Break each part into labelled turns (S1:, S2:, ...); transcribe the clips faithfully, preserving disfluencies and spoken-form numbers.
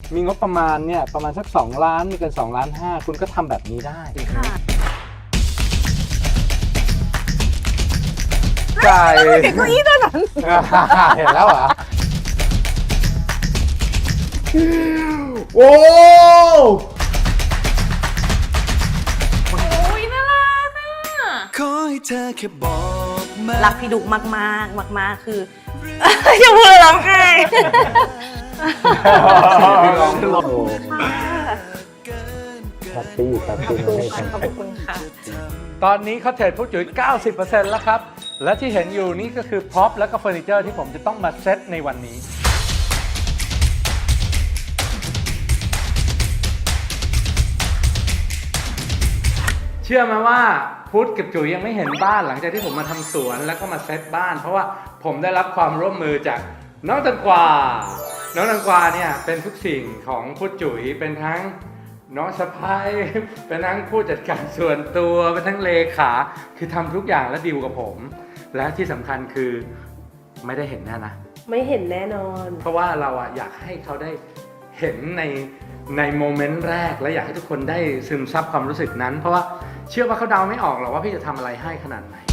S1: มีงบประมาณเนี่ยประมาณสักสองล้านไม่เกินสองล้านห้าคุณก็ทำแบบนี้ได้ไก่เห็นเก้าอี้ตัวนั้นเห็นแล้วเหรอ
S2: โอ้
S3: โอ้ยน่ารักอ่ะขอให้เธอแค่บอกมารักพี่ดุกมากมากมากมากคืออย่าพูดร้องไห้
S1: แฮปปี้แฮปปี้
S3: ขอบคุณค่ะ
S1: ตอนนี้เขาเทรดผู้จุ๋ย เก้าสิบเปอร์เซ็นต์ แล้วครับและที่เห็นอยู่นี่ก็คือพร็อพและก็เฟอร์นิเจอร์ที่ผมจะต้องมาเซตในวันนี้เชื่อไหมว่าพุทธกับจุ๋ยยังไม่เห็นบ้านหลังจากที่ผมมาทำสวนแล้วก็มาเซตบ้านเพราะว่าผมได้รับความร่วมมือจากน้องตังกวาน้องตังกวาเนี่ยเป็นทุกสิ่งของพุทธจุ๋ยเป็นทั้งน้องสะพ้ายเป็นทั้งผู้จัดการส่วนตัวเป็นทั้งเลขาคือทำทุกอย่างและดีลกับผมและที่สำคัญคือไม่ได้เห็นแน่นะ
S3: ไม่เห็นแน่นอน
S1: เพราะว่าเราอะอยากให้เขาได้เห็นในในโมเมนต์แรกและอยากให้ทุกคนได้ซึมซับความรู้สึกนั้นเพราะว่าเชื่อว่าเขาเดาไม่ออกหรอกว่าพี่จะทำอะไรให้ขนาดไหน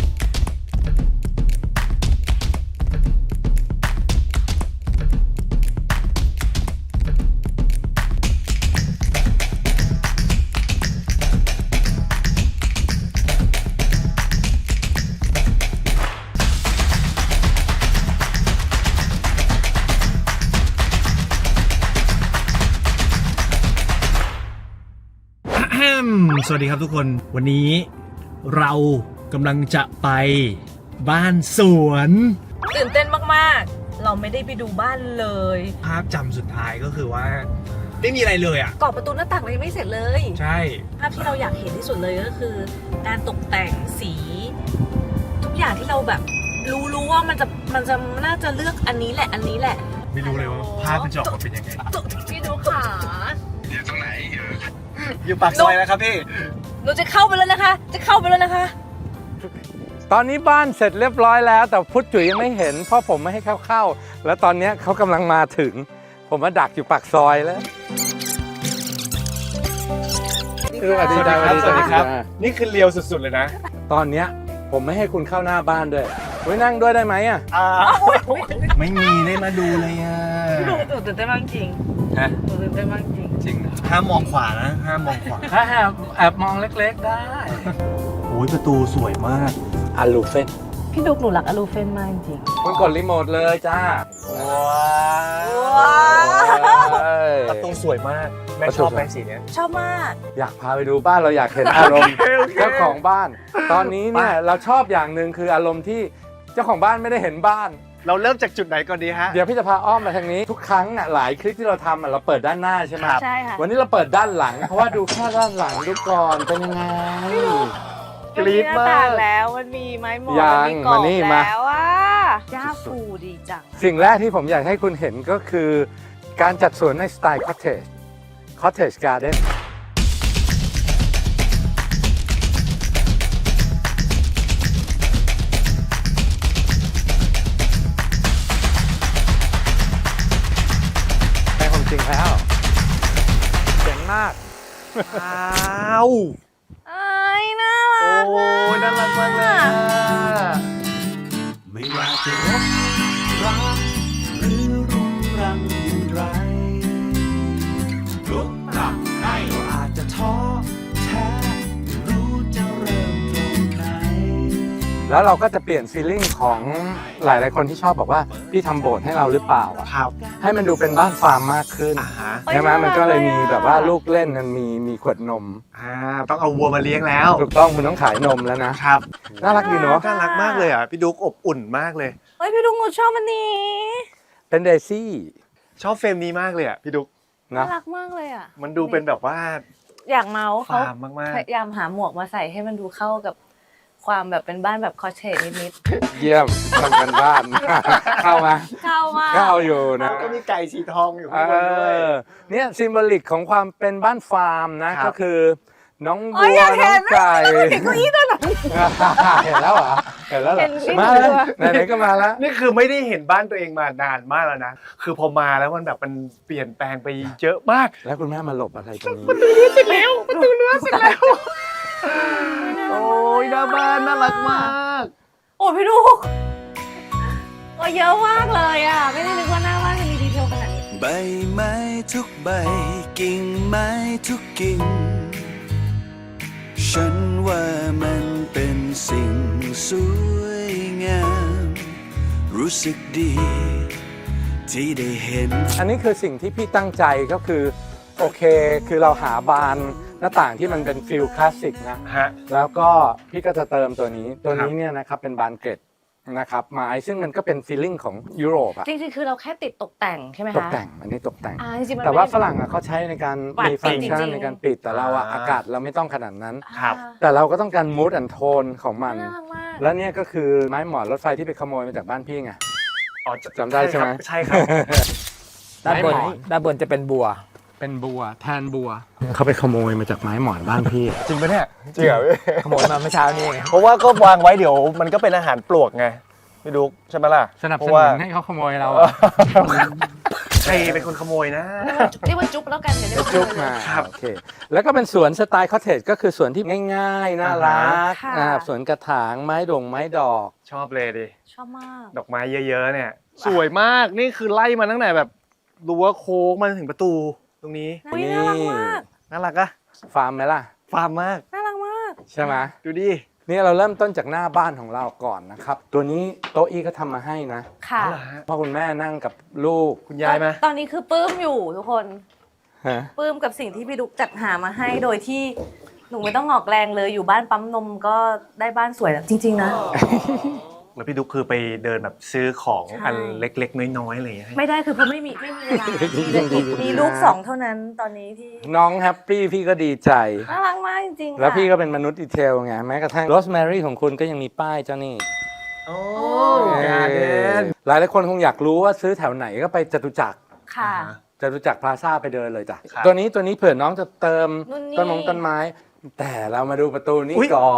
S2: สวัสดีครับทุกคนวันนี้เรากำลังจะไปบ้านสวน
S3: ตื่นเต้นมากๆเราไม่ได้ไปดูบ้านเลย
S2: ภาพจำสุดท้ายก็คือว่าไม่มีอะไรเลยอ่ะ
S3: กรอบประตูหน้าต่างเรายังไม่เสร็จเลย
S2: ใช่
S3: ภาพที่เราอยากเห็นที่สุดเลยก็คือการตกแต่งสีทุกอย่างที่เราแบบรู้รู้ว่ามันจะมันจะน่าจะเลือกอันนี้แหละอันนี้แหละ
S2: ไม่รู้เลยว่าภาพมันจะออกมาเป็นยังไง
S3: พี่ดูขา
S2: อยู่ตรงไหนอยู่ปากซอยนะครับพี่
S3: หนูจะเข้าไปแล้วนะคะจะเข้าไปแล้วนะคะ
S1: ตอนนี้บ้านเสร็จเรียบร้อยแล้วแต่พุทธจุ๋ยยังไม่เห็นเพราะผมไม่ให้เขาเข้าแล้วตอนนี้เขากำลังมาถึงผมมาดักอยู่ปากซอยแล้ว
S2: สวัสดีครับสวัสดีครับนี่คือเลียวสุดๆเลยนะ
S1: ตอนนี้ผมไม่ให้คุณเข้าหน้าบ้านด้วยไว้นั่งด้วยได้ไหมอ่ะ
S2: ไม่มีได้มาดูเลยอ่ะ
S3: หนูตื่นเต้นมากจริง
S1: ฮะ
S3: หนูตื่นเต้นมากจริง
S1: จริง
S2: ห้ามมองขวานะห้ามมองขวา
S1: ถ้าแอบแอบมองเล็กๆได้
S2: โอ้ยประตูสวยมาก
S1: อะลูเฟน
S3: พี่ดุกหนูรักอะลูเฟนมากจริง
S1: คุณกดรีโมทเลยจ้า
S2: ว้าวประตูสวยมากแม่ชอบแม่สีนี้
S3: ชอบมาก
S1: อยากพาไปดูบ้านเราอยากเห็นอารมณ์เจ้าของบ้านตอนนี้เนี่ยเราชอบอย่างหนึ่งคืออารมณ์ที่เจ้าของบ้านไม่ได้เห็นบ้าน
S2: เราเริ่มจากจุดไหนก่อนดีฮะ
S1: เดี๋ยวพี่จะพาอ้อมมาทางนี้ทุกครั้งอ่ะหลายคลิปที่เราทำอ่ะเราเปิดด้านหน้าใช่ไหม
S3: ใช่ค่ะ
S1: วันนี้เราเปิดด้านหลังเพราะว่าดูแค่ด้านหลังดูก่อนเป็นยังไง
S3: กรี๊ดมากแล้วมันมีไม้หมอนมันมีกรอบแล้วอ่ะย่าฟูดีจัง
S1: สิ่งแรกที่ผมอยากให้คุณเห็นก็คือการจัดสวนในสไตล์คอตเทจคอตเทจการ์เด้นจริงแล้วเจ๋งมาก
S2: ว้าว
S3: ไอ้น่ารัก
S2: โอ้ยน่ารักมากเลย
S4: ไม่ว่าจะรบรักหรือรุงรังอย่างไรลุกกลับให้อาจจะท้อแท้รู้จะเริ่มตรงไหน
S1: แล้วเราก็จะเปลี่ยนฟีลลิ่งของหลายๆคนที่ชอบบอกว่าพี่ทำโบสถ์ให้เราหรือเปล่า
S2: ครับ
S1: ให้มันดูเป็นบ้านฟาร์มมากขึ้นใช่ไหมมันก็เลยมีแบบว่าลูกเล่นมันมีมีขวดนม
S2: อ่าต้องเอาวัวมาเลี้ยงแล้ว
S1: ถูกต้องคุณต้องขายนมแล้วนะครับน่ารักดีเนาะ
S2: น่ารักมากเลยอ่ะพี่ดุ๊กอบอุ่นมากเลย
S3: เฮ้ยพี่ดุ๊กหนูชอบมันนี้
S1: เป็นเดซี่
S2: ชอบเฟรมนี้มากเลยอ่ะพี่ดุ๊ก
S3: น่ารักมากเลยอ่ะ
S2: มันดูเป็นแบบว่า
S3: อยากเมาส์เขาพยายามหาหมวกมาใส่ให้มันดูเข้ากับความแบบเป็นบ้านแบบคอเทจนิด
S1: ๆเยี่ยมทำกันบ้านเข้ามา
S3: เข้ามา
S1: เข้าอยู่นะ
S2: ก็มีไก่สีทองอยู่ข้างบนด้วย
S1: เนี่ยซิมโบลิกของความเป็นบ้านฟาร์มนะก็คือน้องวัวน้องไก่
S3: เห็นเก้าอี้ตัวนั้น
S1: เห็นแล้วเหรอเห็นแล้วเหรอ
S3: เห็นสิ
S1: มาแล้วไหนๆก็มาแล้ว
S2: นี่คือไม่ได้เห็นบ้านตัวเองมานานมากแล้วนะ คือพอมาแล้วมันแบบมันเปลี่ยนแปลงไปเยอะมาก
S1: แล้วคุณแม่มาหลบอะไรตรงนี้
S2: เสร็จแล้วประตูรั้วเสร็จแล้ว โอ้ยหน้าบ้านน่ารักมาก
S3: โอ้ยพี่ลูกโอ้ยเยอะมากเลยอ่ะ ไม่ได้นึกว่าหน้าบ้านจะมีดีเทลขนาดนี้
S4: ใบไม้ทุกใบกิ่งไม้ทุกกิ่งฉันว่ามันเป็นสิ่งสวยงามรู้สึกดีที่ได้เห็น
S1: อันนี้คือสิ่งที่พี่ตั้งใจก็คือโอเคคือเราหาบานหน้าต่างที่มันเป็นฟิลคลาสสิกนะ
S2: ฮะ
S1: แล้วก็พี่ก็จะเติมตัวนี้ตัวนี้เนี่ยนะครับเป็นบานเกร็ดนะครับไม้ซึ่งมันก็เป็นฟีลลิ่งของยุโรปอะ
S3: จริงๆ คือเราแค่ติดตกแต่งใช่ไหมคะ
S1: ตกแต่งอันนี้ตกแต่ง
S3: อ่าจริงๆมัน
S1: แต่ว่า
S3: ไม่ได้
S1: ฝรั่งอะเขาใช้ในการ
S3: ปัด
S1: มีฟังก์ชัน
S3: จริงๆ
S1: ในการปิดแต่เราอะ
S2: อ่า
S1: อากาศเราไม่ต้องขนาดนั้น
S2: ครับ
S1: แต่เราก็ต้องการมูดแอนโทนของมัน
S3: น่ารักมาก
S1: และเนี่ยก็คือไม้หมอนรถไฟที่ไปขโมยมาจากบ้านพี่ไง
S2: อ๋อ
S1: จำได้ใช่ไหม
S2: ใช่ครับ
S5: ด้านบน
S1: ไม้หมอน
S5: ด้านบนจะเป็นบัว
S1: เป็นบัวแทนบัวเขาไปขโมยมาจากไม้หมอนบ้านพี่
S2: จริงปะเนี่ย จริงเหรอพี่
S5: ขโมยมาเมื่อเช้านี้ไง
S2: เพราะว่าก็วางไว้เดี๋ยวมันก็เป็นอาหารปลวกไงพี่ดุ๊กใช่ไหมล่ะ
S1: สนับ
S2: เพ
S1: ส
S2: ราะ
S1: นุ
S2: ว่าน
S1: ให้เขาขโมยเรา
S2: ใครเป็นคนขโมยนะ
S3: เรียกว่าจุ๊บแล้วกันเดี๋ยวเรียกว่า
S1: จุ๊บมา
S2: ครับ
S1: โอเค แล้วก็เป็นสวนสไตล์คอเทจก็คือสวนที่ง่ายๆ น่ารัก
S3: ค่ะ
S1: อ่าสวนกระถางไม้ดงไม้ดอก
S2: ชอบเลยดิ
S3: ชอบมาก
S2: ดอกไม้เยอะๆเนี่ย สวยมากนี่คือไล่มาตั้งแต่แบบรั้วโค้งมาถึงประตูตรงนี้
S3: อุ๊ยน่ารักมาก
S2: น่ารักอะ
S1: ฟาร์มไหมล่ะ
S2: ฟาร์มมาก
S3: น่ารักมาก
S1: ใช่ไหม
S2: ดูดิ
S1: นี่เราเริ่มต้นจากหน้าบ้านของเราก่อนนะครับ ตัวนี้โต๊ะอี้ก็ทำมาให้นะ
S3: ค่ะ
S2: เอาเหรอฮะ
S1: พ่อคุณแม่นั่งกับลูก
S2: คุณยายไหม
S3: ตอนนี้คือปลื้มอยู่ทุกคน
S1: ฮะ
S3: ปลื้มกับสิ่งที่พี่ดุ๊กจัดหามาให้โดยที่หนูไม่ต้องออกแรงเลยอยู่บ้านปั๊มนมก็ได้บ้านสวยแล้วจริง ๆ นะ
S2: แล้วพี่ดุ๊กคือไปเดินแบบซื้อของ
S3: ใช่
S2: อันเล็กๆ น้อยๆอะไรอย่างเงี้ยให้
S3: ไม่ได้คือเพราะไม่มีไม่มีเวลามีลูกสองเท่านั้นตอนนี้ที่
S1: น้องแฮปปี้พี่ก็ดีใจ
S3: น่ารักมากจริงๆ
S1: แล้ว
S3: ค่ะ
S1: พี่ก็เป็นมนุษย์ดีเทลไงแม้กระทั่งโรสแมรี่ของคุณก็ยังมีป้ายเจ้านี่
S2: โอ้
S3: โอ้
S2: การเดน
S1: หลายหลายๆคนคงอยากรู้ว่าซื้อแถวไหนก็ไปจตุจักร
S3: ค่ะ
S1: จตุจักรพลาซ่าไปเดินเลยจ้ะ
S2: ครับ
S1: ตัวนี้ตัวนี้เผื่อน้องจะเติม
S3: นู่นนี่
S1: ต้นมงต้นไม้ แต่เรามาดูประตูนี้
S2: อุ๊ย
S1: ก่อน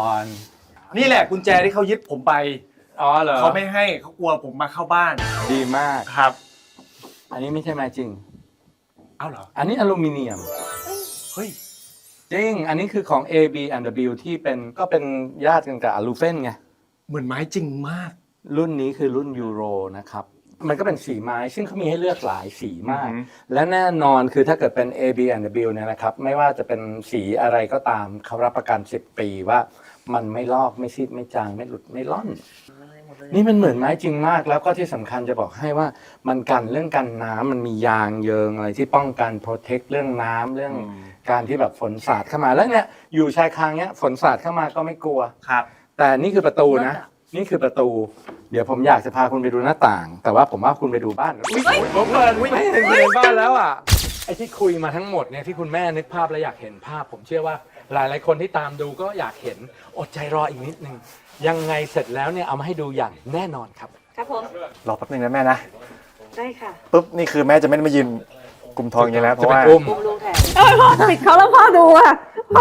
S2: นี่แหละกุญแจที่เขายึดผมไป
S1: อ๋อเหรอ
S2: เขาไม่ให้เขากลัวผมมาเข้าบ้าน
S1: ดีมาก
S2: ครับ
S1: อันนี้ไม่ใช่ไม้จริง
S2: เอ้าเหรอ
S1: อันนี้อลูมิเนียม
S2: เฮ้ย
S1: จริง อันนี้คือของ A B and W ที่เป็นก็เป็นญาติกันกับอลูเฟนไง
S2: เหมือนไม้จริงมาก
S1: รุ่นนี้คือรุ่นยูโรนะครับ มันก็เป็นสีไม้ซึ่งเขามีให้เลือกหลายสีมาก
S2: อือหือ
S1: และแน่นอนคือถ้าเกิดเป็น A B and W เนี่ยนะครับ ไม่ว่าจะเป็นสีอะไรก็ตามเขารับประกันสิบปีว่ามันไม่ลอกไม่ซีดไม่จางไม่หลุดไม่ล่อน นี่มันเหมือนไม้จริงมาก แล้วก็ที่สำคัญจะบอกให้ว่ามันกันเรื่องกันน้ำมันมียางเยิงอะไรที่ป้องกันโปรเทคเรื่องน้ำเรื่องการที่แบบฝนสาดเข้ามาแล้วเนี่ยอยู่ชายคาเนี้ยฝนสาดเข้ามาก็ไม่กลัว
S2: ครับ
S1: แต่นี่คือประตูนะ นี่คือประตู เดี๋ยวผมอยากจะพาคุณไปดูหน้าต่าง แต่ว่าผมว่าคุณไปดูบ้านอุ๊ยผมเปิดไม่เห็นเห็นบ้านแล้วอ่ะไอ้ที่คุยมาทั้งหมดเนี่ยที่คุณแม่นึกภาพและอยากเห็นภาพ ผมเชื่อว่าหลายๆคนที่ตามดูก็อยากเห็นอดใจรออีกนิดนึงยังไงเสร็จแล้วเนี่ยเอามาให้ดูอย่างแน่นอนครับ
S3: ครับผม
S2: รอแป๊บนึงนะแม่นะ
S3: ได้ค่ะ
S2: ปุ๊บนี่คือแม่จะไม่ได้มายืนกลุ่มทองอย่างนี้แล้วเพราะว่า
S1: จะเป็นอุ้ม
S3: บุมลูกแทนเอ้ยพ่อปิดเขาแล้วพ่อดูอ่ะ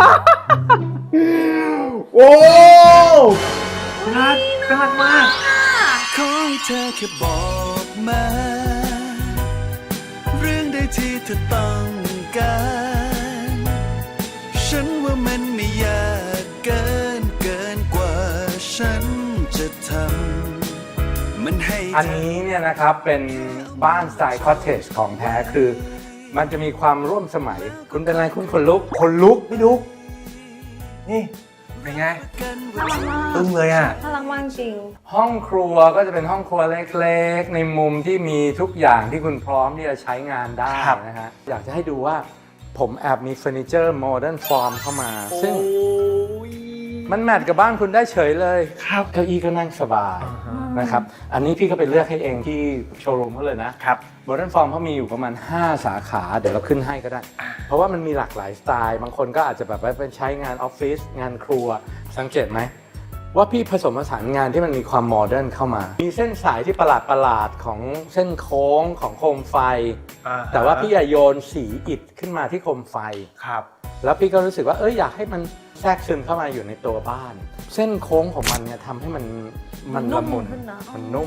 S2: โอ้น่าน่ารักมาก
S4: ขอให้เธอแค่บอกมา เรื่องใดที่เธอต้องการ ฉันว่ามันไม่ยากเกินเกินกว่าฉันจะทำมันให้
S1: อันนี้เนี่ยนะครับเป็นบ้านสไตล์คอตเทจของแท้คือ มันจะมีความร่วมสมัย คุณเป็นอะไรคุณขนลุกขนลุก
S2: พี่ดุ๊กนี่เป็นไง
S3: น่ารักมาก
S2: ตึ้งเลยอ่ะ
S3: น่ารักมากจริง
S1: ห้องครัวก็จะเป็นห้องครัวเล็กๆ ในมุมที่มีทุกอย่างที่คุณพร้อมที่จะใช้งานได้
S2: ครับ
S1: นะฮะอยากจะให้ดูว่าผมแอบมีเฟอร์นิเจอร์โมเดิร์นฟอร์มเข้ามา ซึ่ง
S2: โอ้ย
S1: มันแมทกับบ้านคุณได้เฉยเลย
S2: ครับ
S1: เก้าอี้ก็นั่งสบายนะครับ อันนี้พี่ก็ไปเลือกให้เองที่โชว์รูมเขาเลยนะครับ โมเดิร์นฟอร์มเขามีอยู่ประมาณ ห้า สาขา เดี๋ยวเราขึ้นให้ก็ได้ เพราะว่ามันมีหลากหลายสไตล์ บางคนก็อาจจะแบบว่าเป็นใช้งานออฟฟิศงานครัวสังเกตไหม ว่าพี่ผสมผสานงานที่มันมีความโมเดิร์นเข้ามา มีเส้นสายที่ประหลาดประหลาดๆของเส้นโค้งของโคมไฟ
S2: อ่าฮะ
S1: แต่ว่าพี่อย่าโยนสีอิฐขึ้นมาที่โคมไฟ
S2: ครับ
S1: แล้วพี่ก็รู้สึกว่าเอ้ยอยากให้มันแทรกซึมเข้ามาอยู่ในตัวบ้าน เส้นโค้งของมันเนี่ยทำให้มันมันละมุน
S3: ขึ้นนะ
S1: มันนุ่ม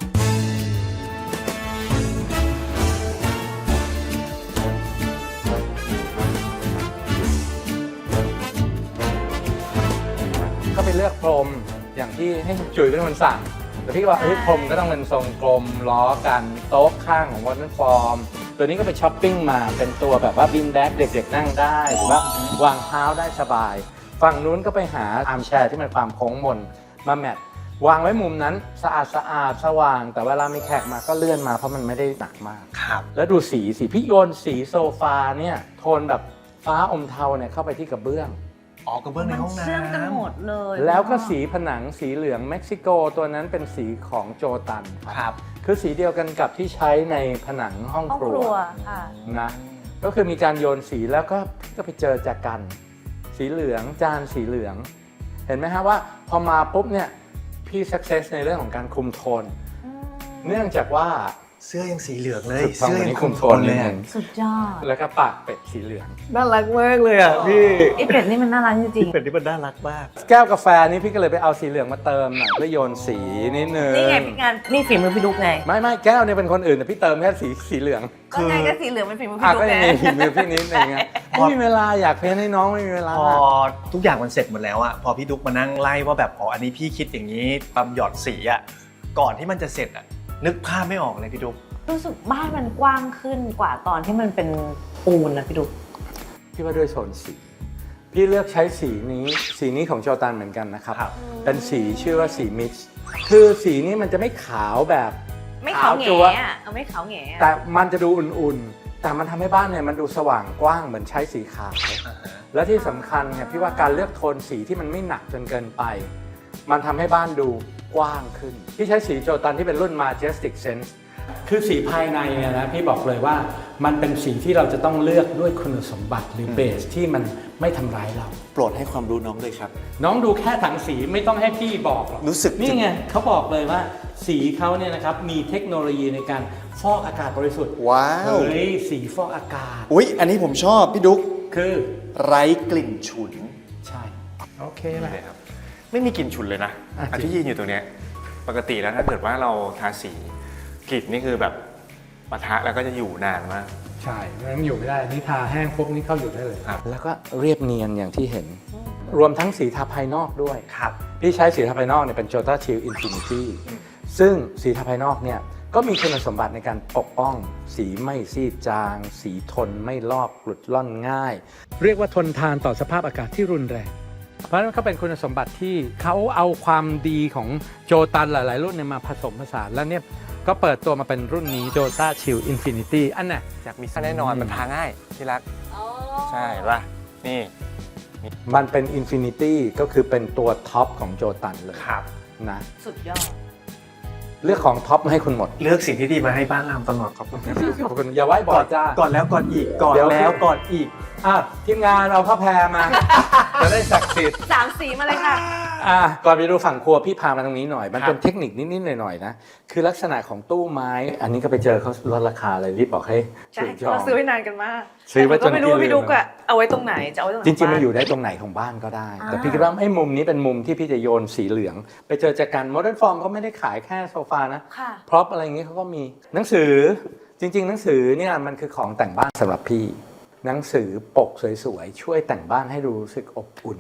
S1: ก็ไปเลือกพรมอย่างที่ให้คุณจุ๋ยเป็นคนสั่งแต่พี่ก็ว่าเฮ้ยพรมก็ต้องเป็นทรงกลมล้อกันโต๊ะข้างของวอเตอร์ฟอร์มตัวนี้ก็ไปช้อปปิ้งมาเป็นตัวแบบว่าบินแบ็กเด็กๆนั่งได้หรือว่าวางเท้าได้สบายฝั่งนู้นก็ไปหาอาร์มแชร์ที่มันความโค้งมนมาแมทวางไว้มุมนั้นสะอาดสะอาดสว่างแต่เวลามีแขกมาก็เลื่อนมาเพราะมันไม่ได้หนักมาก
S2: ครับ
S1: แล้วดูสีสีพี่โยนสีโซฟาเนี่ยโทนแบบฟ้าอมเทาเนี่ยเข้าไปที่กระเบื้อง
S2: ออกกระเบื้องในห้องน้ำ
S3: เชื่อมกันหมดเลย
S1: แล้วก็สีผนังสีเหลืองเม็กซิโกตัวนั้นเป็นสีของโจตัน
S2: ครับ
S1: คือสีเดียวกันกับที่ใช้ในผนังห้อง
S3: ห้อง
S1: ค
S3: ค
S1: รั
S3: รั
S1: ว
S3: วค่ะ
S1: นะก็คือมีการโยนสีแล้วก็ก็ไปเจอจากกัน สีเหลืองจานสีเหลือง เห็นไหมฮะว่าพอมาปุ๊บเนี่ยพี่ success ในเรื่องของการคุมโทน เนื่องจากว่า
S2: เสื้อยังสีเหลืองเลย
S1: ถูกต้อง
S2: เสื้อ
S1: วัน
S2: ยั
S1: นี้
S2: ง
S1: คุ
S2: คุ
S1: ม
S2: ม
S1: โท
S2: โท
S1: น
S2: น
S1: เล
S2: เลย ย
S1: อะ
S2: อะ
S3: สุดยอด
S1: แล้วก็ปากเป็ดสีเหลือง
S2: น่ารักมากเลยอ่ะพี่
S3: ไอเป็ดนี่มันน่ารักจริง
S2: เป็ดนี่มันน่ารักมาก
S1: แก้วกาแฟนี่พี่ก็เลยไปเอาสีเหลืองมาเติมหน่อยเพื่อโยนสีนิดนึง
S3: ๆนี่ไงพี่งานนี่ฝีมือพี่ดุ๊กไง
S1: ไม่ไม่แก้วเนี่ยเป็นคนอื่นแต่พี่เติมแค่สีสีเหลือง
S3: ก็ไงก็สีเหลืองเป็นฝีมือ
S1: อ่ะ
S3: พี่ดุ๊
S1: ก็
S3: ก
S1: ยัง
S3: ไง
S1: มีฝีมือพี่นิดนึงไงไม่มีเวลาอยากเพ้นให้น้องไม่มีเวลา
S2: พอทุกอย่างมันเสร็จหมดแล้วอะพอพี่ดุ๊กมานั่งไล่ว่าแบบอ๋ออันนี้พี่คิดอย่างนี้ปั๊มหยอดสีอะก่อนที่มันจะเสร็จอะนึกภาพไม่ออกเลยพี่ดุ๊ก
S3: รู้สึกบ้านมันกว้างขึ้นกว่าตอนที่มันเป็นปูนนะพี่ดุ๊ก
S1: พี่ว่าด้วยโทนสี พี่เลือกใช้สีนี้สีนี้ของโจตันเหมือนกันนะครับ
S2: ครับ
S1: เป็นสีชื่อว่าสีมิกซ์คือสีนี้มันจะไม่ขาวแบบ
S3: ไม่ขาวแห
S1: จั๊ว
S3: ง่อะเอาไม่ขาวแหง่อะ
S1: แต่มันจะดูอุ่นๆ แต่มันทำให้บ้านเนี่ยมันดูสว่างกว้างเหมือนใช้สีขาว และที่สำคัญเนี่ยพี่ว่าการเลือกโทนสีที่มันไม่หนักจนเกินไป มันทำให้บ้านดูกว้างขึ้น พี่ใช้สีโจตันที่เป็นรุ่น Majestic Sense คือสีภายในเนี่ยนะพี่บอกเลยว่ามันเป็นสีที่เราจะต้องเลือกด้วยคุณสมบัติหรือเบสที่มันไม่ทำร้ายเรา
S4: โปรดให้ความรู้น้องด้วยครับ
S1: น้องดูแค่ถังสีไม่ต้องให้พี่บอกหรอก
S4: รู้สึก
S1: นี่ไงเขาบอกเลยว่าสีเขาเนี่ยนะครับมีเทคโนโลยีในการฟอกอากาศบริสุทธิ์
S4: ว้าว
S1: เฮ้ยสีฟอกอากาศ
S4: อุ๊ย อันนี้ผมชอบพี่ดุ๊ก
S1: คือ
S4: ไร้กลิ่นฉุน
S1: ใช่โอเคแหละ
S6: เลยครับไม่มีกลิ่นฉุนเลยนะ
S1: อ่ะ
S6: อันที่ยืนอยู่ตรงเนี้ยปกติแล้วถ้าเกิดว่าเราทาสีกลิ่นนี่คือแบบปะทะแล้วก็จะอยู่นานมาก
S1: ใช่ไม่งั้นอยู่ไม่ได้นี่ทาแห้งปุ๊บนี่เข้าอยู่ได้เลย
S6: ครับ
S1: แล้วก็เรียบเนียนอย่างที่เห็น รวมทั้งสีทาภายนอกด้วย
S2: ครับ
S1: พี่ใช้สีทาภายนอกเนี่ยเป็น Jota Chill Infinity ซึ่งสีทาภายนอกเนี่ยก็มีคุณสมบัติในการปกป้อง สีไม่ซีดจาง สีทนไม่ลอกหลุดล่อนง่าย เรียกว่าทนทานต่อสภาพอากาศที่รุนแรง เพราะฉะนั้นก็เป็นคุณสมบัติที่เขาเอาความดีของโจตันหลาย ๆ รุ่นเนี่ยมาผสมผสานแล้วเนี่ยก็เปิดตัวมาเป็นรุ่นนี้ Jota Chill Infinity อันน่ะ
S6: อยากมีแน่นอนมันทาง่ายที่รักใช่ป่ะนี่
S1: มันเป็น Infinity ก็คือเป็นตัวท็อปของโจตันเลย
S2: ครับ
S1: นะ
S3: สุดยอด
S1: เลือกของท็อปมาให้คุณหมด
S2: เลือกสิ่งที่ดีมาให้บ้านเราตลอดขอบคุณ
S1: ขอบคุณอย่าไว้บอดจ้า
S2: ก่อนแล้วก่อนอีกก่อน
S1: เดี๋ยว
S2: แล้วก่อนอีก
S1: อ่ะทีมงานเอาผ้าแพรมา จะได้ศักดิ์สิทธิ์
S3: สามสีมาเลยค่ะ
S1: อ่ะก่อนไปดูฝั่งครัวพี่พามาตรงนี้หน่อย มัน
S2: ครับ
S1: เป็นเทคนิคนิด ๆ หน่อย ๆ นะ คือลักษณะของตู้ไม้ อันนี้ก็ไปเจอเขาลดราคาเลยรีบบอกให้
S3: ใช่
S1: ซื้อจอง
S3: เราซื้อไว้นานกันมาก
S1: ซื้อไว้จน
S3: แต่ก็ไม่รู้ว่า
S1: พี่
S3: พี่
S1: ลืม
S3: ดุ๊กอะเอาไว้ตรงไหนจะเอาไว้ตรงไหน
S1: จริง ๆ มัน
S3: บ้า
S1: อยู่ได้ตรงไหนของบ้านก็ได้ แต่พี่คิดว่าไอ้มุมนี้เป็นมุมที่พี่จะโยนสีเหลือง ไปเจอจากกันโมเดิร์นฟอร์มเขาไม่ได้ขายแค่โซฟานะ
S3: ค่ะ
S1: พร็อพอะไรอย่างงี้เขาก็มีหนังสือจริง ๆ หนังสือเนี่ยมันคือของแต่งบ้านสำหรับพี่ หนังสือปกสวย ๆ ช่วยแต่งบ้านให้รู้สึกอบอุ่น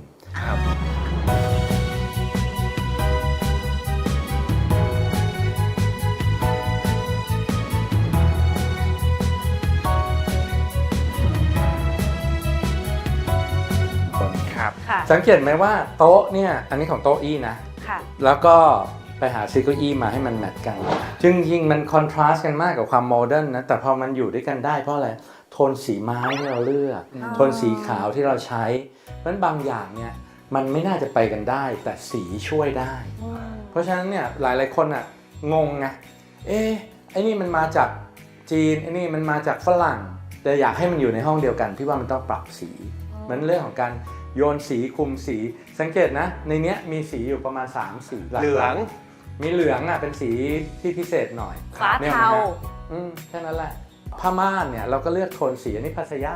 S6: ครับ
S3: ค่ะ
S1: สังเกตไหมว่าโต๊ะเนี่ยอันนี้ของโต๊ะอี้นะ
S3: ค่ะ
S1: แล้วก็ไปหาซื้อเก้าอี้มาให้มันแมทกันจึงยิงมันคอนทราสต์กันมากกับความโมเดิร์นนะแต่พอมันอยู่ด้วยกันได้เพราะอะไรโทนสีไม้ที่เราเลือก
S3: อ๋อ
S1: โทนสีขาวที่เราใช้เพราะฉะนั้นบางอย่างเนี่ยมันไม่น่าจะไปกันได้ แต่สีช่วยได้
S3: อืม
S1: เพราะฉะนั้นเนี่ยหลายๆคนอ่ะงงไงเอ๊ะไอ้นี่มันมาจากจีนไอ้นี่มันมาจากฝรั่ง แต่อยากให้มันอยู่ในห้องเดียวกันพี่ว่ามันต้องปรับสีมันเรื่องของการโยนสีคุมสีสังเกตนะในเนี้ยมีสีอยู่ประมาณสามสีกๆ
S2: เหลือง
S1: มีเหลืองอ่ะเป็นสีที่พิเศษหน่อย
S3: ฟ้า
S1: นี่ย
S3: เทา
S1: นะอืมแค่นั้นแหละผ้าม่านเนี่ยเราก็เลือกโทนสีอันนี้พัสยา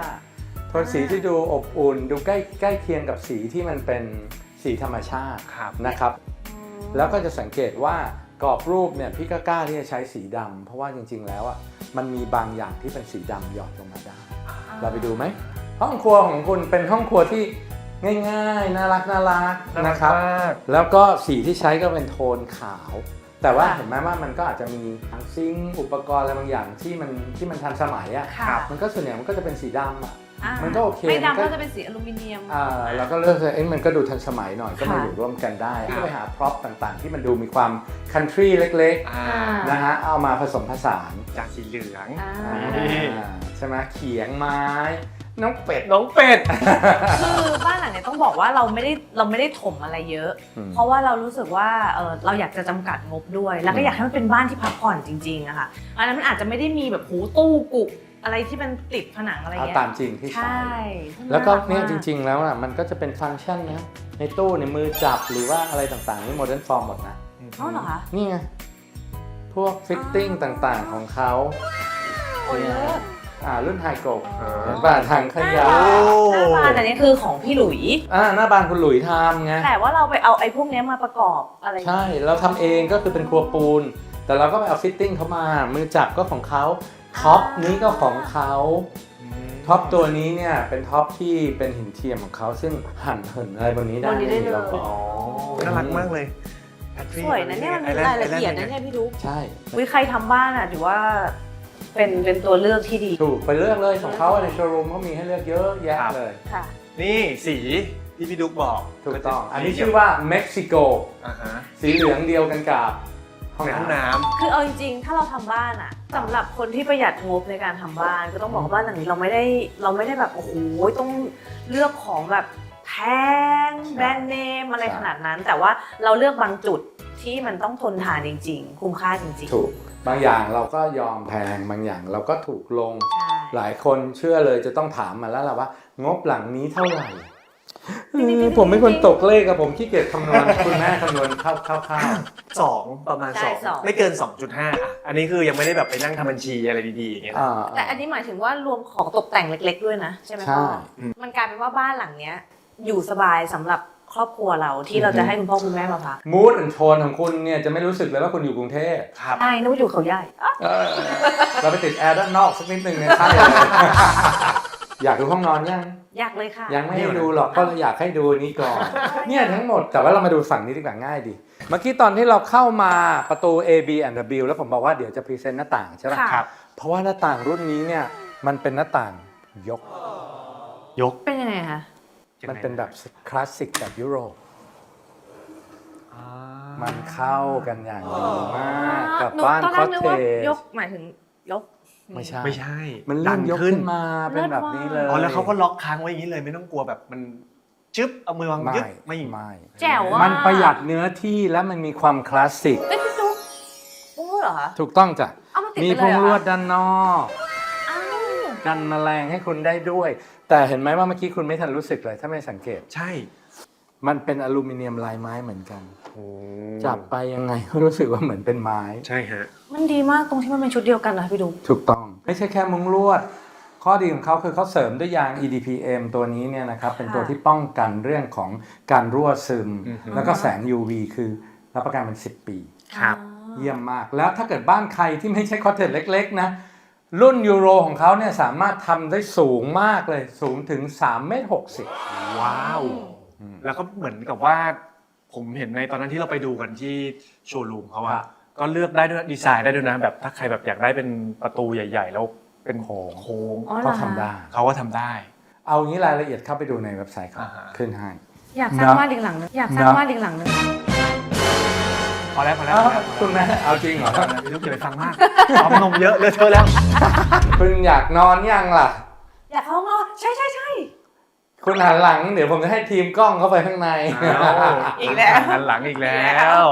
S1: โทนสีที่ดูอบอุ่นดูใกล้ใกล้เคียงกับสีที่มันเป็นสีธรรมชาติ
S2: ครับ
S1: นะครับ แล้วก็จะสังเกตว่ากรอบรูปเนี่ยพี่ก็กล้าที่จะใช้สีดำเพราะว่าจริงๆแล้วอ่ะมันมีบางอย่างที่เป็นสีดำหยอดลงมาได้ เราไปดูไหมห้องครัวของคุณเป็นห้องครัวที่ง่ายๆน่ารักน่ารักนะครับ แล้วก็สีที่ใช้ก็เป็นโทนขาว แต่ว่า
S3: ค่ะ
S1: เห็นไหมว่ามันก็อาจจะมีทั้งซิงค์อุปกรณ์อะไรบางอย่างที่มันที่มันทันสมัยอ่ะ
S3: ค่ะ
S1: มันก็ส่วนใหญ่มันก็จะเป็นสีดำอ่ะ
S3: อ่า
S1: มันก็โอเค
S3: ไม่
S1: มันก็
S3: ดำก็จะเป็นสีอลูมิเนียม
S1: อ่าเราก็เลือกเลยเอ้ยมันก็ดูทันสมัยหน่อยก็มา
S3: ค่ะ
S1: อยู่ร่วมกันได้ก็ไปหาพร็อพต่างๆ ที่มันดูมีความคันทรีเล็ก
S2: อ่า
S1: ๆนะฮะเอามาผสมผสาน
S2: จากสีเหลือง
S3: อ่า
S1: อ่าใช่ไหมเขียงไม้น้องเป็ด
S2: น้องเป็ด
S3: คือบ้านหลังเนี้ยต้องบอกว่าเราไม่ได้เราไม่ได้ถมอะไรเยอะ
S1: อืม
S3: เพราะว่าเรารู้สึกว่าเออเราอยากจะจำกัดงบด้วย แล้วก็อยากให้มันเป็นบ้านที่พักผ่อนจริงๆอะค่ะอันนั้นมันอาจจะไม่ได้มีแบบหูตู้กุกอะไรที่มันติดผนังอะไร
S1: เอา
S3: เงี้ย
S1: ตามจริงที่
S3: ใช่
S1: ใช้แล้วก็เนี่ยจ
S3: ๆ
S1: ริงๆแล้วอ่ะมันก็จะเป็นฟังก์ชันนะในตู้ในมือจับหรือว่าอะไรต่างๆนี่โมเดิร์นฟอร์มหมดนะ
S3: อ๋อเหรอคะ
S1: นี่ไงพวกฟิตติ้งต่างๆของเขา
S3: โอ้ย
S1: เนี่ย
S3: เลิศ
S1: อ่ารุ่นไฮโกะ
S2: เออ
S1: เห็นป่ะทางขยะ
S3: หน้าบ้านอันนี้คือของพี่หลุย
S1: อ่าหน้าบ้านคุณหลุยทำไง
S3: แต่ว่าเราไปเอาไอ้พวกเนี้ยมาประกอบอะไร
S1: ใช่เราทำเองก็คือเป็นครัวปูน แต่เราก็ไปเอาฟิตติ้งเขามามือจับก็ของเขาท็อปนี้ก็ของเขาท็อปตัวนี้เนี่ยเป็นท็อปที่เป็นหินเทียมของเขาซึ่งหั่นเหินอะไรบนนี้ได้
S3: บนนี้ได้เลย
S1: เราก็
S2: อ๋อน่ารักมากเลย
S3: สวยนะเนี่ยมันมีรายละเอียดนะเนี่ยพี่ดุ๊ก
S1: ใช่
S3: วิใครทำบ้านอ่ะถือว่าเป็นเป็นตัวเลือกที่ดี
S1: ถูกไปเลือกเลยของเขาในโชว์รูมเขามีให้เลือกเยอะแยะเลย
S3: ค่ะ
S2: นี่สีที่พี่ดุ๊กบอก
S1: ถูกต้อง อันนี้ชื่อว่าเม็กซิโก
S2: อ่าฮะ
S1: สีเหลืองเดียวกันกับห้อง
S2: ในห้อง
S1: น้ำ
S2: น้
S3: คือเอาจริงๆ ถ้าเราทำบ้านอะสำหรับคนที่ประหยัดงบในการทำบ้าน ก็ต้องบอกว่าบ้านหลังนี้เราไม่ได้เราไม่ได้แบบโอ้โหต้องเลือกของแบบแพงแบรนด์เนมอะไรขนาดนั้น แต่ว่าเราเลือกบางจุดที่มันต้องทนทานจริง ๆ คุ้มค่าจริงๆ
S1: ถูกบางอย่างเราก็ยอมแพงบางอย่างเราก็ถูกลง
S3: ใช่
S1: หลายคนเชื่อเลยจะต้องถามมาแล้วล่ะว่า งบหลังนี้เท่าไหร่เออผมไม่คนตกเลขอะผมขี้เกียจคำนวณ คุณแม่คำนวณคร่าว
S2: ำสองประมาณ
S3: ใช่
S2: สอง
S3: สอง
S2: ไม่เกิน สองจุดห้าอ่ะอันนี้คือยังไม่ได้แบบไปนั่งทำบัญชีอะไรดีๆอย่างเงี้ย
S1: ๆอ่า
S3: แต่อันนี้หมายถึงว่ารวมของตกแต่งเล็ก ๆ ด้วยนะใช่ไหม
S1: ใช่
S3: พ่อมันกลายเป็นว่าบ้านหลังเนี้ยอยู่สบายสำหรับครอบครัวเราที่เราจะให้คุณพ่อคุณแม่มาพัก
S1: มูดแอนโทนของคุณเนี่ยจะไม่รู้สึกเลยว่าคุณอยู่กรุงเทพ
S2: ครับ
S3: ใช่นึกว่าอยู่เขาใหญ่อ่ะ
S1: เออเราไปติดแอร์ด้านนอกสักนิดนึงเนี่ยใช่เลย อยากดูห้องนอนยัง
S3: อยากเลยค่ะ
S1: ยังไม่ให้ดูหรอกเพราะเราอยากให้ดูนี้ก่อน เนี่ยทั้งหมดแต่ว่าเรามาดูฝั่งนี้ดีกว่าง่ายดี เมื่อกี้ตอนที่เราเข้ามาประตู A B and W แล้วผมบอกว่าเดี๋ยวจะพรีเซนต์หน้าต่างใช่ไหม
S3: ค่ะ
S2: ครับ
S1: เพราะว่าหน้าต่างรุ่นนี้เนี่ยมันเป็นหน้าต่างยก
S2: ยก
S3: เป็นยังไงคะ
S1: มันเป็นแบบคลาสสิกแบบยุโรป
S2: อ่า
S1: มันเข้ากันอย่างดีมากกับ
S3: หนู
S1: บ้าน
S3: ตอน
S1: ค
S3: แร
S1: อก
S3: นึก
S1: เท
S3: ว่า
S1: จ
S3: ยกหมายถึงยก
S1: ไม่ใช่
S2: ไม่ใช่
S1: มันเลื่อนยกขึ้นมาเป็นแบบนี้เลย
S2: อ๋อแล้วเขาก็ล็อกค้างไว้อย่างนี้เลยไม่ต้องกลัวแบบมันจึ๊บเอามือวาง
S1: ไม่
S2: ยึดไม่
S1: ไม่
S3: แจ๋วอ่ะ
S1: มันประหยัดเนื้อที่และมันมีความคลาสสิก
S3: เอ้ยพี่ตุ๊กโอ้เหรอคะ
S1: ถูกต้องจ้ะ
S3: เอามาติด
S1: มี
S3: ไป
S1: พ
S3: เลย
S1: ง
S3: เหรอ
S1: ลวดด้านนอก
S3: อ้าว
S1: กันแมลงให้คุณได้ด้วย แต่เห็นไหมว่าเมื่อกี้คุณไม่ทันรู้สึกเลยถ้าไม่สังเกต
S2: ใช่
S1: มันเป็นอลูมิเนียมลายไม้เหมือนกัน
S2: โอ้
S1: จับไปยังไงก็รู้สึกว่าเหมือนเป็นไม้
S2: ใช่ฮะ
S3: มันดีมากตรงที่มันเป็นชุดเดียวกันนะพี่ตุ๊ก
S1: ถูกต้อง ไม่ใช่แค่มุ้งลวด ข้อดีของเขาคือเขาเสริมด้วยยาง อี ดี พี เอ็ม ตัวนี้เนี่ยนะครับเป็นตัวที่ป้องกันเรื่องของการรั่วซึม
S2: อือฮึ
S1: แล้วก็แสง ยู วี คือรับประกันเป็นสิบปี
S2: ครับ
S1: เยี่ยมมาก แล้วถ้าเกิดบ้านใครที่ไม่ใช่คอตเทจเล็กๆนะรุ่นยูโรของเขาเนี่ยสามารถทำได้สูงมากเลยสูงถึงสามเมตรหกสิบ
S2: ว้าว แล้วก็เหมือนกับว่าผมเห็นในตอนนั้นที่เราไปดูกันที่โชว์รูมเขา
S1: ครั
S2: อะ
S1: บ
S2: ก็เลือกได้ด้วยดีไซน์ได้ด้วยนะแบบถ้าใครแบบอยากได้เป็นประตูใหญ่ ๆ แล้วเป็นโค้งโค้ง
S3: อ๋อเหร
S1: ก็
S3: อคะ
S1: ทำได้
S2: เขาก็ทำได้
S1: เอางี้รายละเอียดเข้าไปดูในเว็บไซต์เขา
S2: อ่าฮะ
S1: ขึ้นให้
S3: อยากสร้าง
S1: นะ
S3: บ้านอีกหลังนึงอยากสร้าง
S1: นะ
S3: บ้านอีกหลังนึง
S2: พอแล้วพอแล้ว
S1: อ้าว
S2: พอแล้ว
S1: คุณแม่เอาจริงเหรอ
S2: ไม่ต้องเก็บไปฟังมากเอานมเยอะเลอะเทอะแล้ว
S1: คุณอยากนอนยังล่ะ
S3: อยากเข้าห้องนอนใช่ใช่ใช่
S1: คุณหันหลังเดี๋ยวผมจะให้ทีมกล้องเข้าไปข้างใน
S3: อีกแล้ว
S2: หันหลังอีกแล้ว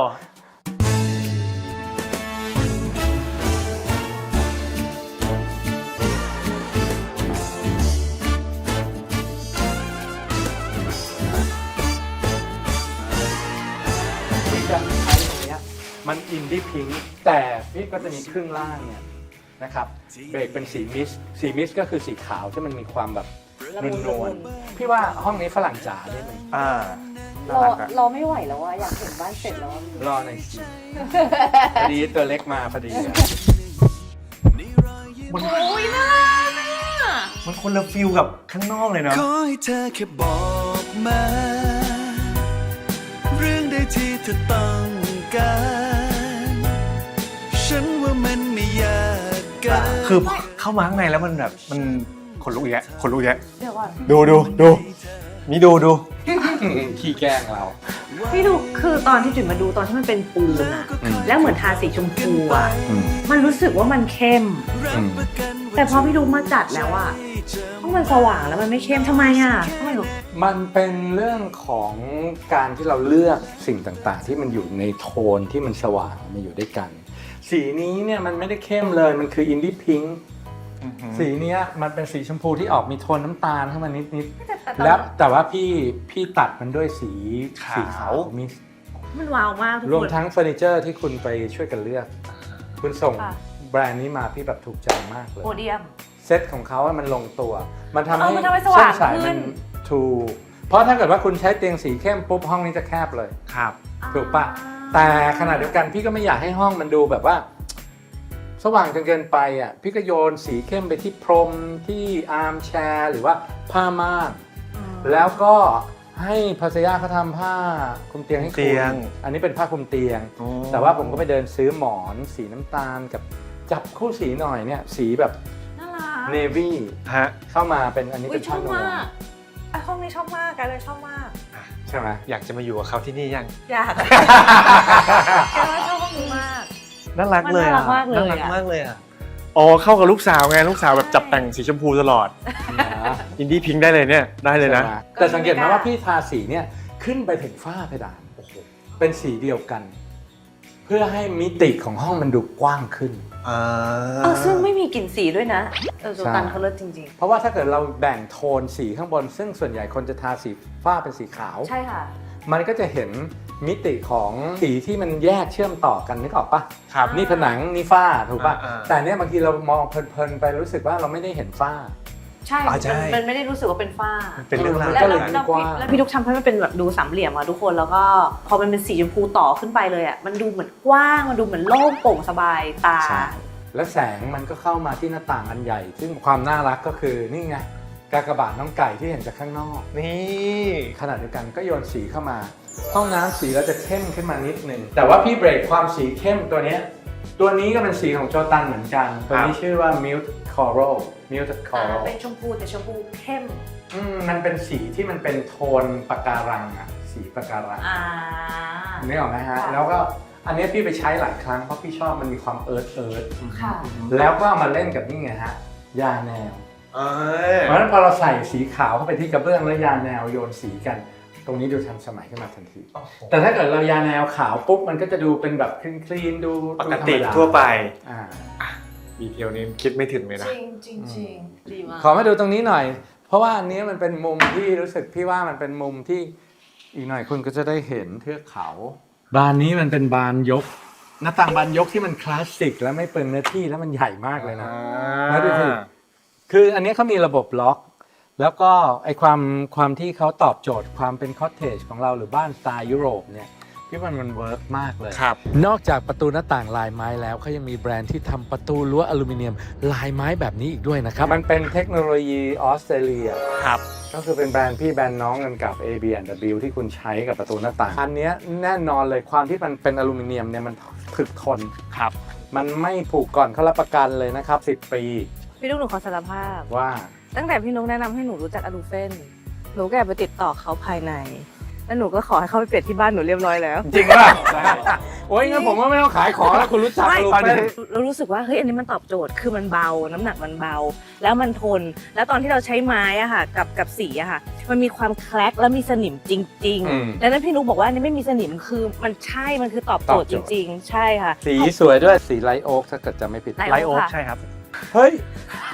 S1: ที่จะใช้ตรงเนี้ยมันอินดี้พิงค์แต่พี่ก็จะมีครึ่งล่างเนี่ยนะครับเบรกเป็นสีมิสต์สีมิสต์ก็คือสีขาวที่มันมีความแบบ
S3: ละ
S1: น
S3: มุน
S1: น
S3: ละ
S1: ว
S3: มุ
S1: ล
S3: น
S1: ๆพี่ว่าห้องนี้ฝรั่งจ๋าได้ไหม
S2: อ่า
S3: รอรอไม่ไหวแล้วอะอยากเห็นบ้านเสร็จแล้วอะ
S1: รอหน่อยสิพอดีตัวเล็กมาพอดีอะ
S2: มัน
S3: โอ้ยน่ารักอะ
S2: มันคนละฟิลกับข้างนอกเลยเนาะ
S4: ขอให้เธอแค่บอกมา เรื่องใดที่เธอต้องการ ฉันว่ามันไม่ยากเกิน
S2: คือเข้ามาข้างในแล้วมันแบบมันขนลุกอีกแล้วขนลุกอีกแล้ว
S3: เดี๋ยวก่อน
S2: ดูดูดูนี่ดูดู
S1: ขี้แกล้งเรา
S3: พี่ดูคือตอนที่จุ๋ยมาดูตอนที่มันเป็นปูนอะแล้วเหมือนทาสีชมพูอะมันรู้สึกว่ามันเข้ม แต่พอพี่ดูมาจัดแล้วอะห้องมันสว่างแล้วมันไม่เข้มทำไมอะทำไมหรอ
S1: มันเป็นเรื่องของการที่เราเลือกสิ่งต่างๆ ที่มันอยู่ในโทนที่มันสว่างมาอยู่ด้วยกัน สีนี้เนี่ยมันไม่ได้เข้มเลยมันคืออินดี้พิงค์สีเนี้ยมันเป็นสีชมพูที่ออกมีโทนน้ำตาลเข้ามานิดๆแล้วแต่ว่าพี่พี่ตัดมันด้วยสีสีขาวมี
S3: มันว้าวมากทุก
S1: รวม
S3: คน
S1: ทั้งเฟอร์นิเจอร์ที่คุณไปช่วยกันเลือก คุณส่ง
S3: ค่ะ
S1: แบรนด์นี้มาพี่แบบถูกใจมากเลย
S3: โพเดียม
S1: เซตของเขาอะมันลงตัว มันทำ
S3: เอ
S1: ให้
S3: อมันทำให้สว่าง
S1: เส้นสาย
S3: ขึ้
S1: มัน นถูกเพราะถ้าเกิดว่าคุณใช้เตียงสีเข้มปุ๊บห้องนี้จะแคบเลย
S2: ครับ
S1: ถูกปะแต่ขณะเดียวกันพี่ก็ไม่อยากให้ห้องมันดูแบบว่า สว่างจนเกินไปอ่ะพี่ก็โยนสีเข้มไปที่พรมที่อาร์มแชร์หรือว่าผ้าม่านแล้วก็ให้ภรรยาเขาทำผ้าคลุมเตียงให้
S2: เตี
S1: คุณ
S2: ยง
S1: อันนี้เป็นผ้าคลุมเตียง
S2: อ๋อ
S1: แต่ว่าผมก็ไปเดินซื้อหมอนสีน้ำตาลกับจับคู่สีหน่อยเนี่ยสีแบบ
S3: น่ารัก
S1: เนวี่
S2: ฮะ
S1: เข้ามาเป็นอันนี้
S3: อุ้
S1: เป็
S3: ย
S1: น
S3: ชอ
S1: ผ้า
S3: บ
S1: นว
S3: มาม กไอห้องนี้ชอบมากกันเลยชอบมาก
S1: ใช่ไหม
S2: อยากจะมาอยู่กับเขาที่นี่ยัง
S3: อยากแกว่าชอบห้องนี้มาก
S2: น่ารักเลย
S3: มันน่ารั
S2: อ่ะ
S3: กมากเลย
S2: น่ารัก
S3: อะ
S2: มากเลยอ่ะอ๋อเข้ากับลูกสาวไงลูกสาวแบบจับแต่งสีชมพูตลอด อินดี้พิงค์ได้เลยเนี่ยได้เลยนะ
S1: ใช่ไหมแต่สังเกตไหมว่าพี่ทาสีเนี่ยขึ้นไปถึงฝ้าเพดานโอ้โหเป็นสีเดียวกัน เพื่อให้มิติของห้องมันดูกว้างขึ้น
S2: อ่า
S3: เออซึ่งไม่มีกลิ่นสีด้วยนะเออโซตัน
S1: ใช่
S3: เขาเลิศจริง
S1: เพราะว่าถ้าเกิดเราแบ่งโทนสีข้างบน ซึ่งส่วนใหญ่คนจะทาสีฝ้าเป็นสีขาว
S3: ๆ ใช่ค่ะ
S1: มันก็จะเห็นมิติของสีที่มันแยกเชื่อมต่อกันนึกออกปะ
S2: ครับ
S1: นี่ผนังนี่ฝ้าถูกปะ
S2: อ่าๆ
S1: แต่เนี้ยบางทีเรามองเพลินๆไปรู้สึกว่าเราไม่ได้เห็นฝ้า
S3: ใช่
S2: อ่าใช่
S3: มันมันไม่ได้รู้สึกว่าเป็นฝ้า
S2: เป็นเรื่องราว
S3: แล้ว
S1: ก็เลย
S3: แล้ว
S1: กว้าง
S3: แล้วพี่ทุกทำให้มันเป็นแบบดูสามเหลี่ยมอะทุกคนแล้วก็พอมันเป็นสีชมพูต่อขึ้นไปเลยอะมันดูเหมือนกว้างมันดูเหมือนโล่งโปร่งสบายตา
S1: ใช่และแสงมันก็เข้ามาที่หน้าต่างอันใหญ่ ซึ่งความน่ารักก็คือนี่ไงกากบาทน้องไก่ที่เห็นจากข้างนอก
S2: นี่
S1: ขณะเดียวกันก็โยนสีเข้ามา ห้องน้ำสีเราจะเข้มขึ้นมานิดนึงแต่ว่าพี่เบรกความสีเข้มตัวเนี้ยตัวนี้ก็เป็นสีของโจตันเหมือนกัน ตัวนี้ชื่อว่า Mute Coral Mute
S3: อ่า
S1: Coral
S3: เป็นชมพูแต่ชมพูเข้ม
S1: อืมมันเป็นสีที่มันเป็นโทนปะการังอะสีปะการัง
S3: อ่า
S1: นึกออกไหมฮะ
S3: ค่ะ
S1: แล้วก็อันเนี้ยพี่ไปใช้หลายครั้งเพราะพี่ชอบมันมีความเอิร์ธเอิร์ธ
S3: ค่ะ
S1: แล้วก็เอามาเล่นกับนี่ไงฮะยาแนว
S2: เออ
S1: เพราะฉะนั้นพอเราใส่สีขาวเข้าไปที่กระเบื้องแล้วยาแนวโยนสีกัน ตรงนี้ดูทันสมัยขึ้นมาทันที แต่ถ้าเกิดเรายาแนวขาวปุ๊บมันก็จะดูเป็นแบบคลีนคลีนๆดู
S2: ปก
S1: ดูธร
S2: ติ
S1: รมดา
S2: ทั่วไป
S1: อ่า
S2: ดีเทลนี้คิดไม่ถึงเลยนะ
S3: จริงจริงจริงดีมาก
S1: ขอมาดูตรงนี้หน่อย เพราะว่าอันนี้มันเป็นมุมที่รู้สึกพี่ว่ามันเป็นมุมที่อีกหน่อยคุณก็จะได้เห็นเทือกเขา บานนี้มันเป็นบานยก หน้าต่างบานยกที่มันคลาสสิกและไม่เปลืองเนื้อที่แล้วมันใหญ่มากเลยนะ แล้วดูสิ คืออันนี้เขามีระบบล็อก แล้วก็ไอความความที่เขาตอบโจทย์ความเป็นคอตเทจของเราหรือบ้านสไตล์ยุโรปเนี่ยพี่ว่ามันเวิร์กมากเลย
S2: ครับ
S1: นอกจากประตูหน้าต่างลายไม้แล้วเขายังมีแบรนด์ที่ทำประตูรั้วอลูมิเนียมลายไม้แบบนี้อีกด้วยนะครับ มันเป็นเทคโนโลยีออสเตรเลีย
S2: ครับ
S1: ก็คือเป็นแบรนด์พี่แบรนด์น้องกันกับ เอ บี แอนด์ ดับเบิลยู ที่คุณใช้กับประตูหน้าต่าง อันเนี้ยแน่นอนเลยความที่มันเป็นอลูมิเนียมเนี่ยมันถึกทน
S2: ครับ
S1: มันไม่ผุก่อนเขารับประกันเลยนะครับสิบปี
S3: พี่นุ๊กหนูขอสารภาพ
S1: ว่า
S3: ตั้งแต่พี่นุ๊กแนะนำให้หนูรู้จักอลูเฟนหนูก็แอบไปติดต่อเขาภายใน แล้วหนูก็ขอให้เขาไปเปลี่ยนที่บ้านหนูเรียบร้อยแล้ว
S1: จริงป่ะ โอ้ยงั้นผมว่าไม่ต้องขายของแล้วคุณรู้จัก
S3: ไม่
S1: ลู
S3: ตอน
S1: เป้
S3: นี้เรารู้สึกว่าเฮ้ยอันนี้มันตอบโจทย์คือมันเบาน้ำหนักมันเบา แล้วมันทน แล้วตอนที่เราใช้ไม้อะค่ะกับกับสีอะค่ะ มันมีความแคลกแล้วมีสนิมจริงๆดังนั้นพี่นุ๊กบอกว่าอันนี้ไม่มีสนิมคือมันใช่มันคือตอบโจทย์จริง ๆ ใช่ค่ะ
S1: สีสวยด้วยสีไลท์โอ๊กถ้าเกิดจะไม่ผิด
S3: ไลท์
S2: ไลท์โอ๊กใช่ครับ
S1: เฮ้ย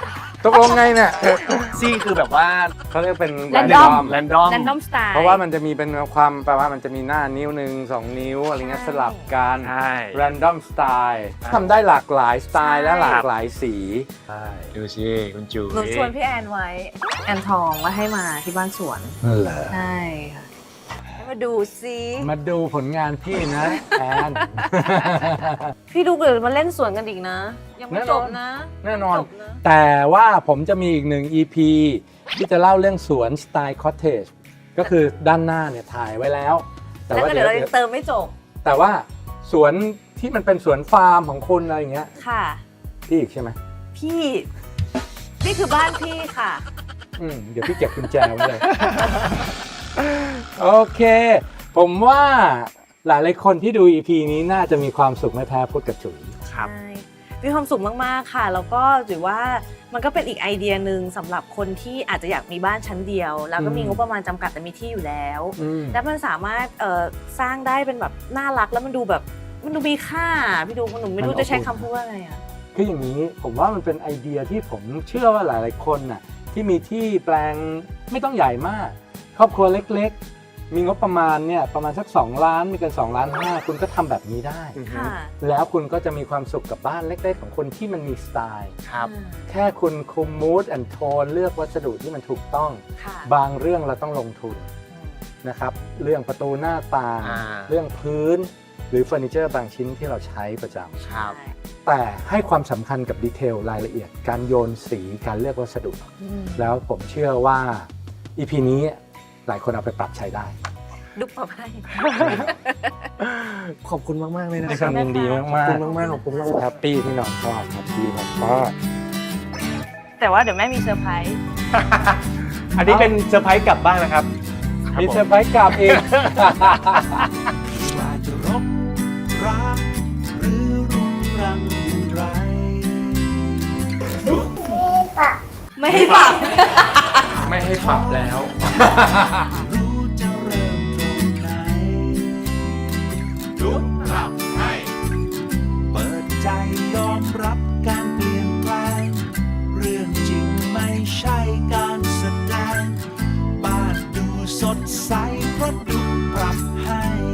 S1: ตกลงไงเนี่ย
S2: ซี่คือแบบว่า
S1: เขาเรียกเป็น
S3: Random
S2: แรนดอม
S3: แรนดอมสไตล์
S1: เพราะว่ามันจะมีเป็นความแปลว่ามันจะมีหน้านิ้วหนึ่งสองนิ้วอะไรเงี้ยสลับกัน
S2: ใช่
S1: random style ทำได้หลากหลายสไตล์และหลากหลายสี
S2: ใช่ดูสิคุณจู
S3: หนูชวนพี่แอนไว้ แอนทองว่าให้มาที่บ้านสวน
S1: เหรอ
S3: ใช่ค่ะให้มาดูซิ
S1: มาดูผลงานพี่นะแอน
S3: พี่ดูเกิดมาเล่นสวนกันอีกนะ ยังไม่
S1: แน่นอน
S3: จบนะ
S1: แน่นอน
S3: จบนะ
S1: แต่ว่าผมจะมีอีกหนึ่ง อี พี ที่จะเล่าเรื่องสวนสไตล์คอตเทจก็คือด้านหน้าเนี่ยถ่ายไว้แล้ว แต่
S3: แล้ว
S1: ว่า
S3: ก็
S1: เดี๋
S3: เดี๋
S1: ย
S3: ยว วเรายังเติมไม่จบ
S1: แต่ว่าสวนที่มันเป็นสวนฟาร์มของคุณอะไรอย่างเงี้ย
S3: ค่ะ
S1: พี่อีกใช่ไหม
S3: พี่ นี่คือบ้านพี่ค่ะ
S1: อืมเดี๋ยวพี่เก็บกุญแจไว้เลย โอเค ผมว่าหลายหลายๆคนที่ดู อี พี นี้น่าจะมีความสุขไม่แพ้พุทธกับจุ๋ย
S2: ครับ
S3: ใช่มีความสุขมาก ๆ ค่ะ แล้วก็ถือว่ามันก็เป็นอีกไอเดียหนึ่งสำหรับคนที่อาจจะอยากมีบ้านชั้นเดียว แล้วก็มี
S1: อืม
S3: งบประมาณจำกัดแต่มีที่อยู่แล้ว
S1: อืม
S3: แล้วมันสามารถเอ่อสร้างได้เป็นแบบน่ารักแล้วมันดูแบบมันดูมีค่า พี่ดูหนูไม่รู้จะใช้คำพูดว่าไงอ่ะ
S1: คืออย่างนี้ผมว่ามันเป็นไอเดียที่ผมเชื่อว่าหลาย ๆ คนน่ะที่มีที่แปลงไม่ต้องใหญ่มาก ครอบครัวเล็ก ๆ มีงบประมาณเนี่ยประมาณสักสองล้านมีกันสองล้านห้าคุณก็ทำแบบนี้ได้
S3: ค่ะ
S1: แล้วคุณก็จะมีความสุขกับบ้านเล็ก ๆ ของคนที่มันมีสไตล์
S2: ครับ
S1: แค่คุณคุมมูดแอนโทนเลือกวัสดุที่มันถูกต้อง
S3: ค่ะ
S1: บางเรื่องเราต้องลงทุนนะครับ เรื่องประตูหน้าต่าง
S2: อ่า
S1: เรื่องพื้น หรือเฟอร์นิเจอร์บางชิ้นที่เราใช้ประจำ
S2: ครับ
S3: ใช่
S1: แต่ให้ความสำคัญกับดีเทลรายละเอียด การโยนสีการเลือกวัสดุ
S3: อืม
S1: แล้วผมเชื่อว่า อี พี นี้หลายคนเอาไปปรับใช้ได้
S3: ดุ๊บมาให้
S2: ขอบคุณมาก ๆ เลยนะ
S1: ด้วย
S2: ค
S1: ครับ วามยินดีมาก
S2: ขอบคุณมากๆขอบคุณมาก
S1: แฮปปี้ที่น้องชอบแฮปปี้มาก
S3: แต่ว่าเดี๋ยวแม่มีเซอร์ไพรส์
S2: อันนี้เป็นเซอร์ไพรส์กลับบ้านนะครับ
S1: ๆมีเซอร์ไพรส์กลับอีก
S4: ว่าจะรบรักหรือรุงรังอย่างไร
S3: ไม่ให้ปรับ
S1: ไม่ให้ปรับแล้ว
S4: รู้จะเริ่มตรงไหนลุกรับให้เปิดใจยอมรับการเปลี่ยนแปลง เรื่องจริงไม่ใช่การแสดง บ้านดูสดใสเพราะดุปรับให้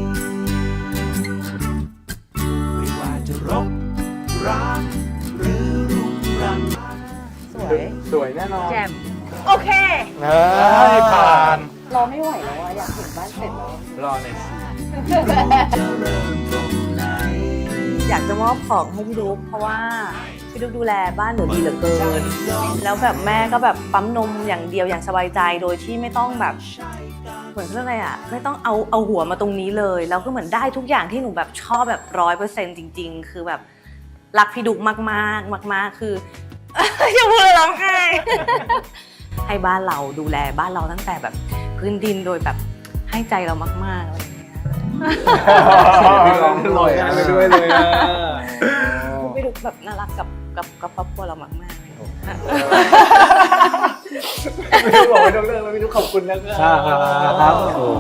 S4: ไม่ว่าจะรบรักหรือรุงรัง
S3: สวย
S1: สวยแน่นอน
S3: แจ่มโอเค
S1: เฮ้ยผ่าน
S3: รอไม่ไหวแล้วอะอยากเห็นบ้านเสร็จแล้ว
S1: รอในอยสิ
S4: จะเริ่มตรงไหน
S3: อยากจะมอบของให้พี่ดุ๊กเพราะว่าพี่ดุ๊กดูแลบ้านหนูดีเหลือเกิน แล้วแบบแม่ก็แบบปั๊มนมอย่างเดียวอย่างสบายใจโดยที่ไม่ต้องแบบเหมือนเรื่องอะไรอ่ะไม่ต้องเอาเอาหัวมาตรงนี้เลย แล้วก็เหมือนได้ทุกอย่างที่หนูแบบชอบแบบร้อยเปอร์เซ็นต์จริง ๆ คือแบบรักพี่ดุ๊กมากๆมาก ๆ คือ อย่าพูดเลยร้องไห้ ให้บ้านเราดูแลบ้านเราตั้งแต่แบบพื้นดินโดยแบบให้ใจเรามากๆอะไรอย่างเงี้ย
S1: ร้องด้วยอ่ะ
S2: ไปด้วยเลยอะ
S3: พี่ดุ๊กแบบน่ารักกับกับกับครอบครัวเรามากๆเลย
S2: ไม่ต้องบอกไม่ต้องเลิกแล้วไม่ต้องขอบคุณนะครับ
S1: ครับโอ้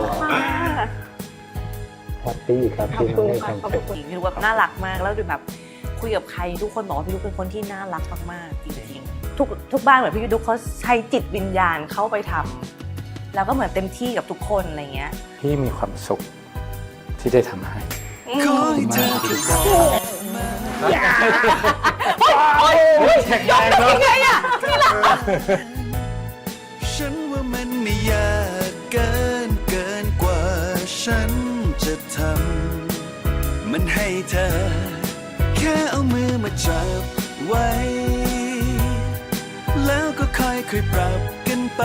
S1: แฮปปี้ครับ
S3: ขอบ
S1: ที่
S3: คุณ
S1: ได้
S3: ค่ะ
S1: ความ
S3: ขอบ
S1: สุข
S3: คุณพี่ดุ๊กแบบน่ารักมากแล้วดูแบบคุยกับใครทุกคนบอกว่าพี่ดุ๊กเป็นคนที่น่ารักมากๆจริงๆทุกทุกบ้านเหมือนพี่ดุ๊กเขาใช้จิตวิญญาณเข้าไปทำแล้วก็เหมือนเต็มที่กับทุกคนอะไรเงี้ย
S1: พี่มีความสุขที่ได้ทำให้
S4: ขอให้เธอแค่บอกมา
S1: แข็งแรงเนอะ
S4: ฉันว่ามันไม่ยากเกินเกินกว่าฉันจะทำมันให้เธอ แค่เอามือมาจับไว้ แล้วก็ค่อยๆปรับกันไป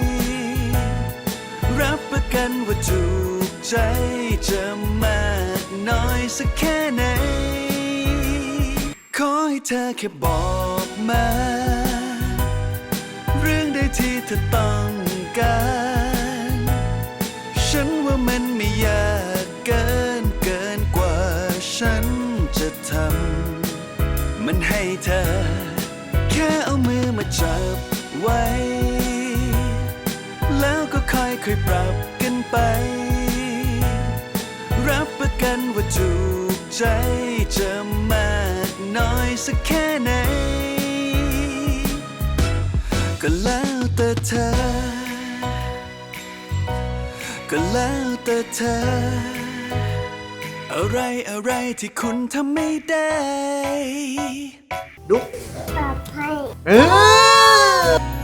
S4: รับประกันว่าถูกใจจะมากน้อยสักแค่ไหน ขอให้เธอแค่บอกมา เรื่องใดที่เธอต้องการ ฉันว่ามันไม่ยากเกินเกินกว่าฉันจะทำมันให้เธอ แค่เอามือมาจับไว้ แล้วก็ค่อยๆปรับกันไป รับประกันว่าถูกใจจะมากน้อยสักแค่ไหนก็แล้วแต่เธอ ก็แล้วแต่เธอ อะไรอะไรที่คุณทำไม่ได้
S2: ดุ๊ก
S7: ปรับให้
S2: เออ